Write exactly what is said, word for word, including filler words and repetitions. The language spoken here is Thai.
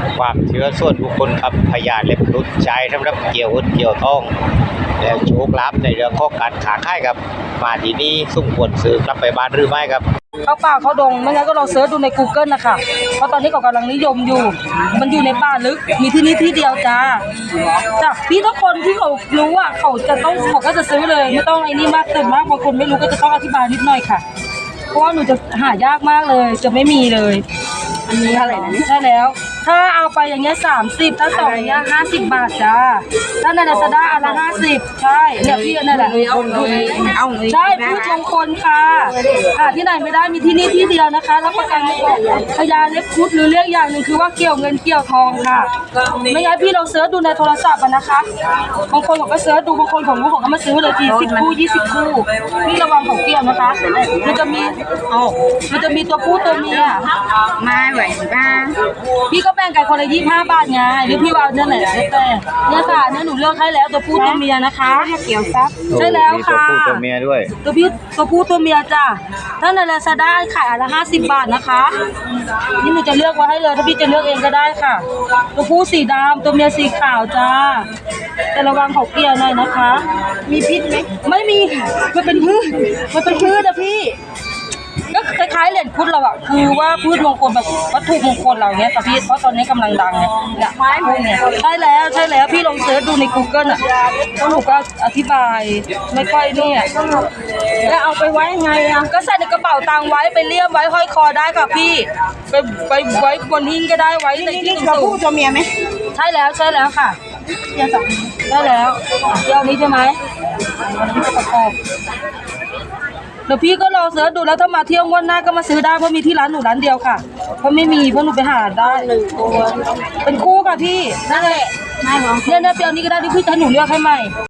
ความเชื่อส่วนบุคคลครับพยานเล็บหลุดใช้สำหรับเกี่ยวหุ้นเกี่ยวทองแล้วโชคลาภในเรื่องของการขาขายครับมาที่นี่สมควรซื้อกลับไปบ้านหรือไม่ครับเข้าป่าเข้าดงไม่งั้นก็ลองเสิร์ชดูใน กูเกิล นะคะเพราะตอนนี้เขากำลังนิยมอยู่มันอยู่ในป่าลึกมีที่นี่ที่เดียวจ้าจ้ะพี่ทุกคนที่เขารู้ว่าเขาจะต้องเขาก็จะซื้อเลยไม่ต้องไอ้นี่มากเติมมากบางคนไม่รู้ก็จะต้องอธิบายนิดหน่อยค่ะเพราะว่าหนูจะหายากมากเลยจะไม่มีเลยอันนี้อะไรนะใช่แล้วถ้าเอาไปอย่างเงี้ยสามสิบถ้าสองอย่างเงี้ยห้าสิบบาทจ้าถ้าในลาซาด้าอันละห้าสิบใช่เนี่ยพี่นั่นแหละเอาเลยเอาเลยใช่พืชมงคลค่ะหาที่ไหนไม่ได้มีที่นี่ที่เดียวนะคะรับประกันพญาเล็บคุดหรือเรียกอย่างหนึ่งคือว่าเกี่ยวเงินเกี่ยวทองค่ะไม่งั้นพี่ลองเสิร์ชดูในโทรศัพท์นะคะบางคนเขาก็เสิร์ชดูบางคนของรู้ของเขามาซื้อเลยทีสิบคู่ยี่สิบคู่นี่ระวังของเกี่ยวนะคะมันจะมีมันจะมีตัวผู้ตัวเมียมาไหวบ้างพี่ก็แบ่งกันคนละยี่สิบห้าบาทไงหรือพี่ว่าเนี่ยไหนแต่เนี่ยค่ะเนี่ยหนูเลือกให้แล้วตัวผู้ตัวเมียนะคะเกี่ยวซับใช่แล้วค่ะตัวผู้ตัวเมียด้วยตัวพี่ตัวผู้ตัวเมียจ้ะถ้าในลาซาด้าขายอันละห้าสิบบาทนะคะนี่หนูจะเลือกไว้ให้เลยถ้าพี่จะเลือกเองก็ได้ค่ะตัวผู้สีดำตัวเมียสีขาวจ้าแต่ระวังเขาเกี่ยวหน่อยนะคะมีพิษไหมไม่มีมันเป็นพืชมันเป็นพืชนะพี่ก็คล้ายๆเหรียญพุทธเราอะคือว่าพืชมงคลแบบวัตถุมงคลเราเนี้ยแต่พี่เพราะตอนนี้กำลังดังไงเนี่ยไม้พวกเนี้ยใช่แล้วใช่แล้วพี่ลองเสิร์ชดูใน กูเกิล อะแล้วหนูก็อธิบายไม่ค่อยเนี่ยแล้วเอาไปไว้ไงอะก็ใส่ในกระเป๋าตังค์ไว้ไปเลี่ยมไว้ห้อยคอได้ค่ะพี่ไปไปไว้บนหิ้งก็ได้ไว้ในที่สูงตัวผู้ตัวเมียไหมใช่แล้วใช่แล้วค่ะใช่แล้วเดี๋ยวนี้ใช่ไหมประกอบเดี๋ยวพี่ก็รอเสิร์ชดูแล้วถ้ามาเที่ยวงวดหน้าก็มาซื้อได้เพราะมีที่ร้านหนูร้านเดียวค่ะเพราะไม่มีเพราะหนูไปหาได้หนึ่งตัวเป็นคู่ค่ะพี่นั่นแหละเนี่ยเนี่ยเปียวนี้ก็ได้ที่พี่ให้หนูเลือกให้ใหม่